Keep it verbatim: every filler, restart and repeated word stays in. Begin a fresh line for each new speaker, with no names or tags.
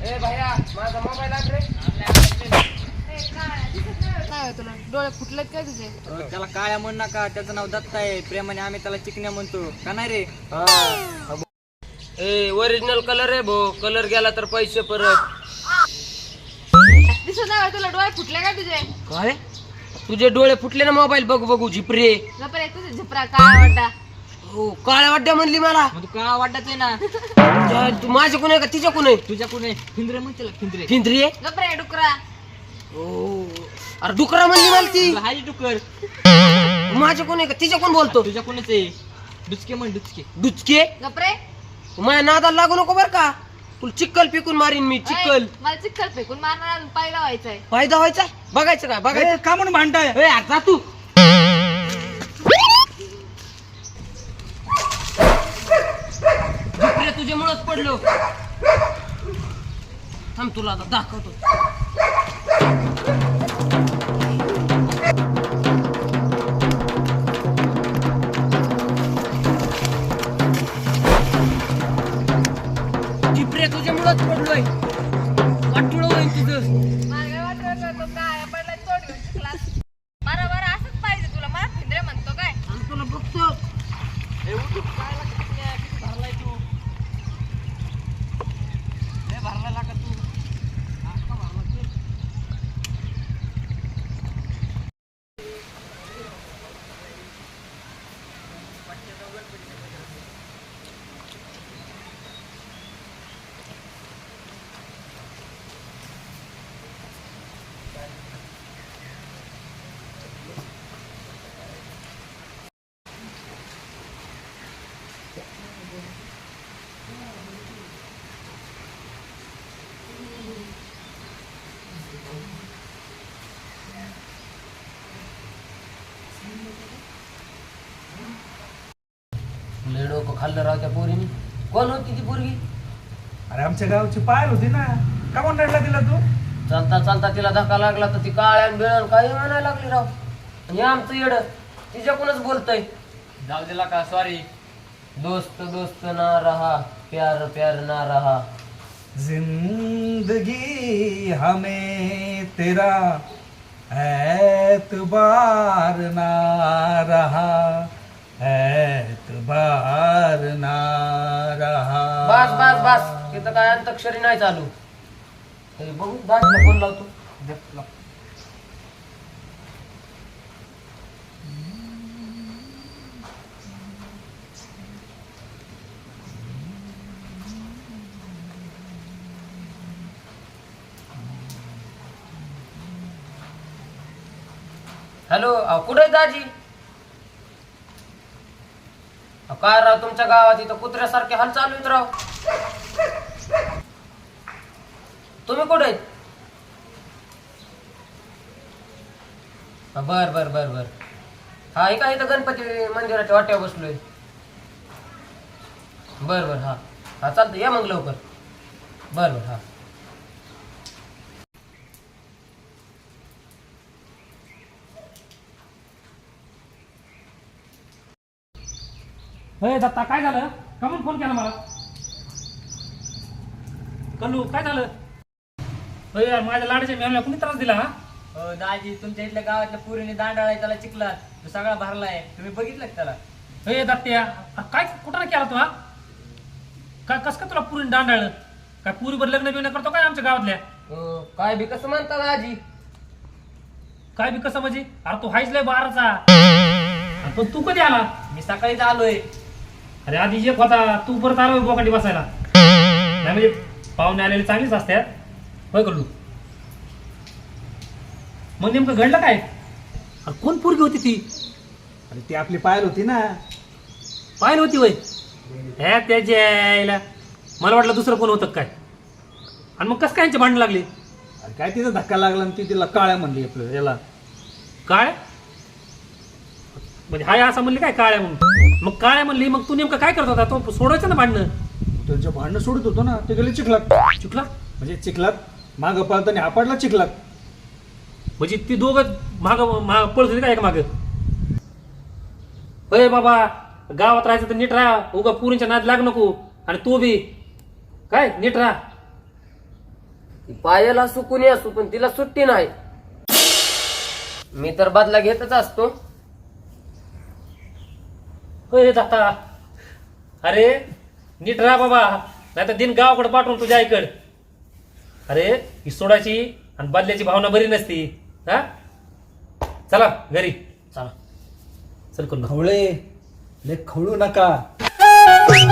ए भैया माझा मोबाईल आण रे.
काय तुला डोळे फुटलेत काय तुझे?
त्याला काळ्या म्हण नका, त्याचं नाव दत्त आहे. प्रेमाने आम्ही त्याला चिकन्या म्हणतो का नाही रे?
ए ओरिजिनल कलर आहे भो, कलर गेला तर पैसे परत.
दिसत नाही तुला डोळे फुटले काय तुझे?
काय तुझे डोळे फुटले ना मोबाईल बघू बघू झिपरे.
गप्रे तुझे झिपरा काय वाटता?
हो काळ्या वाड्या म्हणली मला.
मग तू काळा वाटत आहे ना.
तू माझ्या कोण आहे का तिच्या कोण आहे?
तुझ्या कोणी फिंद्रे म्हण त्याला, फिंद्रे
फिंद्री आहे.
गप्रे डुकरा.
हो अरे डुकरा म्हणली मला ती.
हाय डुकर.
माझ्या कोण आहे का तिच्या कोण बोलतो?
तुझ्या कोणच आहे? डुचके म्हण डुचके.
डुचके.
गप्रे
माझ्या नादाला लागू नको बर का, तुला चिक्कल पिकून मारीन मी. चिक्कल
मला चिक्कल फेकून मारणार अजून पायला व्हायचंय.
फायदा व्हायचा बघायचं का? बघायचं
का म्हणून भांडताय?
ए आता तू झिपरे तुझ्यामुळेच पडलो. थांब तुला आता दाखवतो. झिपरे तुझ्यामुळेच पडलोय. वाटुळ होईल तुझं.
मला काय वाटलं तो काय पडला तोड घेऊन शिकलास. बरं बरं असंच पाहिजे तुला. मला फिंद्रे म्हणतो काय?
आणि तुला बघतो.
ए उठ काय लागत किती किती भरलाय तू? लय भरला का तू? आका भरला तू.
लय डोकं खाल्लं राव त्या पोरीने. कोण होती ती पोरगी?
अरे आमच्या गावची पायल होती ना, का म्हणून रडला तिला तू?
चालता चालता तिला धक्का लागला तर ती काळ्यान बिळण काही म्हणायला लागली राव. आणि आमचं येड तिच्याकडूनच बोलतय.
जाऊ दिला का? सॉरी.
दोस्त दोस्त ना रहा, प्यार प्यार ना रहा.
जिंदगी हमें तेरा एतबार ना रहा, एतबार ना रहा.
बस बस बस तिथं काय अंतक्षरी नाही चालू. तरी बघू दाजीला फोन लावतो. हॅलो कुठे आहे दाजी? अहो, काय राव तुमच्या गावात इथं कुत्र्यासारखे हाल चालू आहेत राव. तुम्ही कुठे आहेत? बर बर बर बर हा ऐका इथं गणपती मंदिराच्या वाट्यावर बसलोय. बर बर हा हा चालतं या मग लवकर. बर बर हा.
हे दत्ता काय झालं? का म्हणून फोन केला मला? कल्लू काय झालं? होय यार माझ्या लाडाच्या मेहनला कुणी त्रास दिला हा?
हो दाजी, तुमच्या इथल्या गावातल्या पुरीने दांडाळा त्याला चिकला तो सगळा भरलाय. तुम्ही बघितलं का त्याला?
हे दत्त्या काय कुठं केला तू हा? काय कस का तुला पुरीने दांडाळलं? काय पुरीवर लग्न बिग्न करतो काय आमच्या गावातल्या?
अं, काय बी कसं म्हणता दाजी?
काय बी कसं म्हणजे? अरे तू हायच लय बाराचा. अरे पण तू कधी आला?
मी सकाळीच आलोय.
अरे आधी एक होता, तू परत आलो बोकांडी बसायला. नाही म्हणजे पाहुणे आलेले चांगलीच असतात. होय कल्लू? मग नेमकं घडलं काय? अरे कोण पोरगी होती ती?
अरे ती आपली पायल होती ना.
पाहिलं होती वय हे त्याच्या यायला मला वाटलं दुसरं कोण होतं काय. आणि मग कसं काय यांची भांडण लागली?
अरे काय तिचा धक्का लागला आणि ती तिला काळ्या म्हणली आपलं याला.
काय म्हणजे हाय असं म्हणली काय काळ्या म्हणून? मग काळ्या म्हणली मग तू नेमकं काय करत होता? तो सोडायचं ना भांडणं.
त्यांचं भांडणं सोडत होतो ना, ते गेले चिखलात.
चुकला
म्हणजे चिखलात मागं पळताना आपडला चिखलात.
म्हणजे ती दोघं माग माग पळत होती काय का माग? होय बाबा गावात राहायचं तर नीट राहा, उगा पुरींच्या नाद लाग नको. आणि तू बी काय नीट राहा.
ती पायाला सुकून असू पण तिला सुट्टी नाही. मी तर बदला घेतच असतो.
होय दाता, अरे नीट राहा बाबा, नाही तर दिन गावाकडे पाठवून तुझ्या आईकडे. अरे ही सोडाची आणि बदल्याची भावना बरी नसती. हा चला घरी चला, चल करून
खवळे लय खवळू नका.